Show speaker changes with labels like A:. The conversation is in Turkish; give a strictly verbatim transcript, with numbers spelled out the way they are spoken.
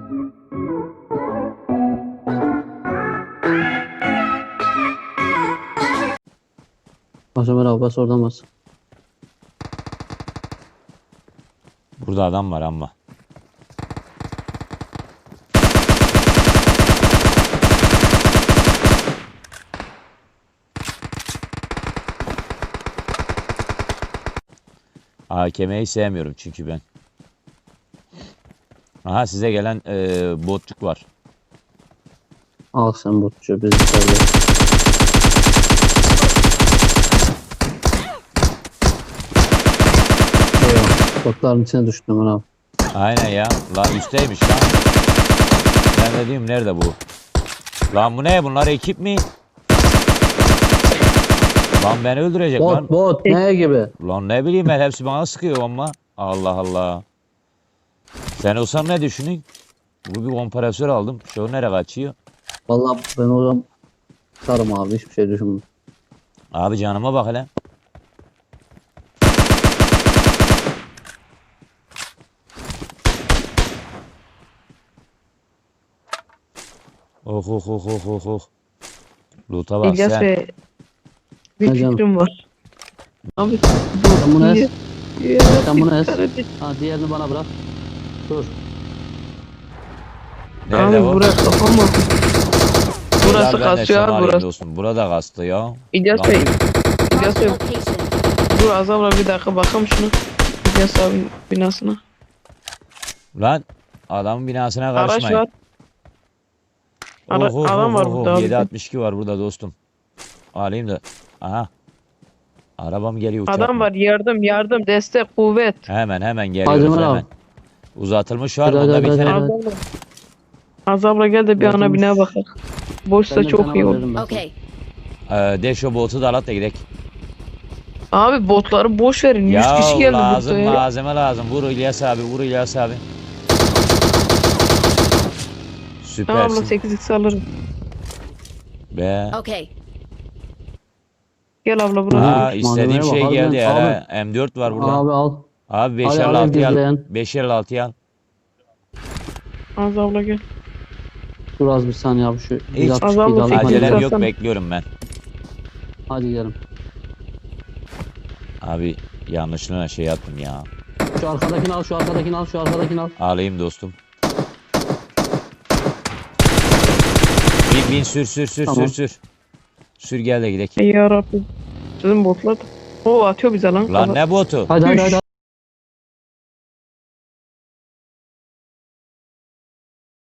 A: Bas Ömer abi, bas oradan bas.
B: Burada adam var ama. A K M'yi sevmiyorum çünkü ben. Aha, size gelen e, botçuk var.
A: Al sen botçu, biz içeride. Eyvah, botların içine düştüm Ömer abi.
B: Aynen ya. Lan üstteymiş lan. Ben de diyorum nerede bu? Lan bu ne? Bunlar ekip mi? Lan beni öldürecek lan.
A: Bot bot ne gibi?
B: Lan ne bileyim ben, hepsi bana sıkıyor ama. Allah Allah. Sen olsan ne düşünün? Bu bir kompresör aldım. Şu nereye kaçıyor?
A: Vallahi ben o zaman sarım abi, hiçbir şey düşünmüyorum.
B: Abi canıma bak hele. Oh oh oh oh oh oh. Loot'a bak
C: İlyas
B: sen.
C: Bey, bir
A: Ne canım?
C: fikrim var. Abi
A: Sen bunu es.
C: Ya,
A: Sen bunu es.
C: kardeş.
A: Ha, diğerini bana bırak. Dur.
B: Nerede
C: Abi
B: o?
C: burası kafam var. Burası
B: Gel ben de
C: kasıyor
B: sana
C: abi
B: alayım
C: burası.
B: dostum. Burada kastı ya.
C: İlyas
B: Lan
C: Bey,
B: bir-
C: İlyas
D: Marked a
C: Bey,
D: location.
C: dur Azam'la bir dakika bakalım şunu. İlyas abinin binasına.
B: Lan adamın binasına
C: Araç
B: karışmayın.
C: var. Ara- adam var burada abi.
B: yedi altmış iki var burada dostum. Alayım da. Aha. Arabam geliyor, uçak
C: Adam
B: mı?
C: var, yardım yardım, destek, kuvvet.
B: Hemen hemen
A: Hadi
B: geliyoruz
A: Ömer
B: hemen.
A: abi.
B: Uzatılmış var.
A: Hadi,
B: Bunda
A: hadi,
B: bir
A: hadi,
B: tane.
A: hadi.
C: Azam'la. Azam'la gel de bir ana
A: Uzatılmış.
C: binaya bakalım. Boşsa
A: Ben de
C: çok
A: sana
C: iyi olur.
A: veririm ben.
D: Okay.
B: Ee, de şu botu da alat da gidelim.
C: Abi botları boş verin. yüz
B: Ya
C: kişi geldi
B: lazım
C: burada ya.
B: malzeme lazım. Vur İlyas abi, vur İlyas abi.
C: Tamam abla,
B: Süpersin.
C: sekiz x alırım.
B: Be.
D: Okay.
C: Gel abla buraya.
B: Ha,
A: Malzemeye
B: istediğim
A: bak,
B: şey
A: harbiden.
B: geldi ya.
A: Abi.
B: ha. M dört var burada.
A: Abi al.
B: Abi beş
A: Hadi
B: elli
A: alev
B: altıyı al.
A: gizleyen.
B: beş elli altıyı al.
C: Az abla gel.
A: Dur az bir saniye abi, şu
B: Hiç
A: altmış
C: azalma
A: alayım.
C: sekiz
A: Hadi,
B: Acelem
C: Hadi.
B: yok,
C: Alsana.
B: bekliyorum ben.
A: hadi gidelim.
B: Abi yanlışlıkla şey yaptım ya.
A: Şu arkadakini al, şu arkadakini al, şu arkadakini al.
B: Alayım dostum. Bin bin sür sür sür
A: Tamam.
B: sür sür. Sür gel de gidelim.
C: Ey yarabbim. Sizin botlar da. O atıyor bize lan.
B: Lan ne botu?
A: Hadi hadi
C: Üş.
A: hadi.